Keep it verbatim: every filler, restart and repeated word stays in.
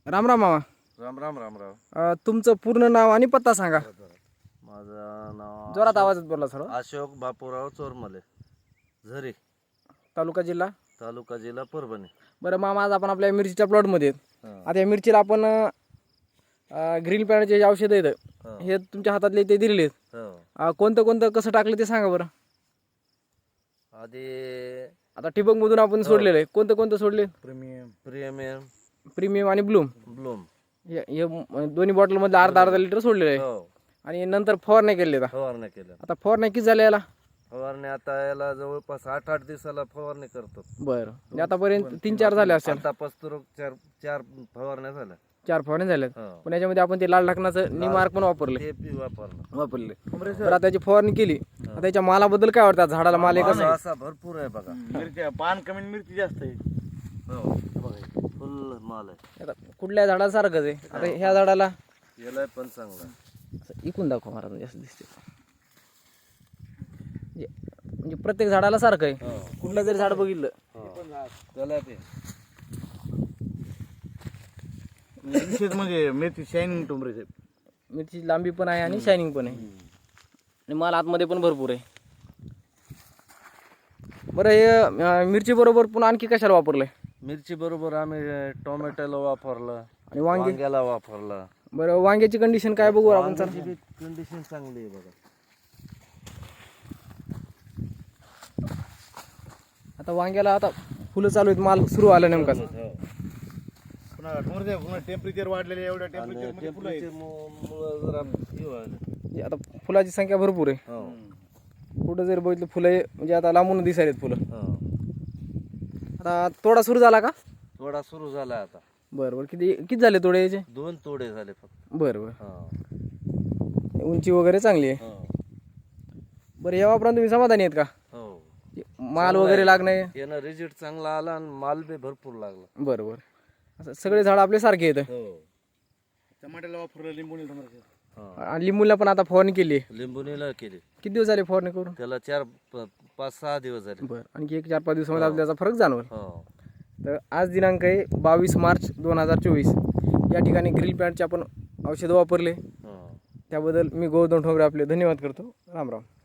राम राम मामा. राम राम राम राम. अ, तुमचं पूर्ण नाव आणि पत्ता सांगा. माझं नाव जोरात आवाजात बोला सर. अशोक बापूराव चोरमले, झरी, तालुका जिल्हा. तालुका जिल्हा परभणी. बरं मामा, आज आपण आपल्या मिरचीच्या प्लॉटमध्ये आहेत. हं. आता या मिरचीला आपण ग्रीन पॅडचे जे औषध आहेत हं. हे तुमच्या हातातले ते दिलेले आहेत. हो. अ, कोणतं कोणतं कसं टाकलं ते सांगा बरं. आधी आता ठिबकमधून आपण सोडलेलं आहे, कोणतं कोणतं सोडले? प्रीमियम प्रीमियम प्रीमियम आणि ब्लूम. ब्लूम. हे हे दोन्ही बॉटलमध्ये अर्धा अर्धा लिटर सोडलेलं आहे. हो. आणि नंतर फवारण्या केलेल्या. फवारणी केल्या. आता फवारण्या किती झाल्या याला? फवारणी आता याला जवळपास आठ आठ दिवसाला फवारणी करतो. बरं, म्हणजे आतापर्यंत तीन चार झाले असेल. आता पस्तूर चार चार फवारण्या झाल्या. चार फवारण्या झाल्यात. हो. पण याच्यामध्ये आपण ते लाल ढाकणाचं निमार्क पण वापरले ते बी वापरणं वापरले तर आता त्याची फवारणी केली. आता त्याच्या मालाबद्दल काय वाटतं? झाडाला माल आहे माल कसं? असा भरपूर आहे बघा. मिरची पान कमी आणि मिरची जास्त आहे. हो बघा, फुल माल आहे. आता कुठल्या झाडाला सारखंच आहे. आता ह्या झाडाला याला पण चांगला आहे. असं इकून दाखवा महाराज, जास्त दिसते. म्हणजे म्हणजे प्रत्येक झाडाला सारखं आहे. हो. कुठलं जरी झाड बघितलं त्याला ते विशेष म्हणजे मिरची शायनिंग टोमरे साहेब. मिरची लांबी पण आहे आणि शायनिंग पण आहे. आणि माल आतमध्ये पण भरपूर आहे. बरं, हे अं, मिरची बरोबर पुन्हा आणखी कशाला वापरलंय? मिरची बरोबर आम्ही टोमॅटोला वापरलं आणि वांगे? वांग्याला वापरलं. बरं, वांग्याची कंडिशन काय बघू आपण सर. वांग्याची बी कंडिशन चांगली आहे बघा. आता वांग्याला आता फुलं चालू आहेत, माल सुरू आला नेमकाच. पुन्हा टोमरे साहेब पुन्हा टेम्परेचर वाढलेले, एवढ्या टेम्परेचर मध्ये फुलं आहेत. टेम्परेचरमुळं जरा हे व्हायलं. म्हणजे आता फुलाची संख्या भरपूर आहे. हो. कुठं जर बघितलं फुलं हे म्हणजे आता लांबून दिसायलेत फुलं. हो. आता तोडा सुरू झाला का? थोडा सुरू झाला आता. बरं बरं, किती किती झाले तोडे याचे? दोन तोडे झाले फक्त. बरं बरं, हो. उंची वगैरे चांगली आहे. हो. बरं, या वापरून तुम्ही समाधानी आहेत का? हो. माल वगैरे लागणे? यानं रिझल्ट चांगला आला आणि माल बी भरपूर लागला. बरं बरं, असं सगळे झाड आपले सारखे आहेत. हो. टमाट्याला वापरलं, लिंबूने टोमरे साहेब. हो. आणि लिंबूला पण आता फवारणी केली आहे. लिंबुनीला केली. किती दिवस झाले फवारणी करून? त्याला चार प- पाच सहा दिवस झाले. बरं, आणखी एक चार पाच दिवसामध्ये आपल्याला त्याचा फरक जाणवेल. हो. तर आज दिनांक आहे बावीस मार्च दोन हजार चोवीस. या ठिकाणी ग्रिल पॅडचे आपण औषधं वापरले. हो. त्याबद्दल मी गौतम ठोंबरे आपले धन्यवाद करतो. राम राम.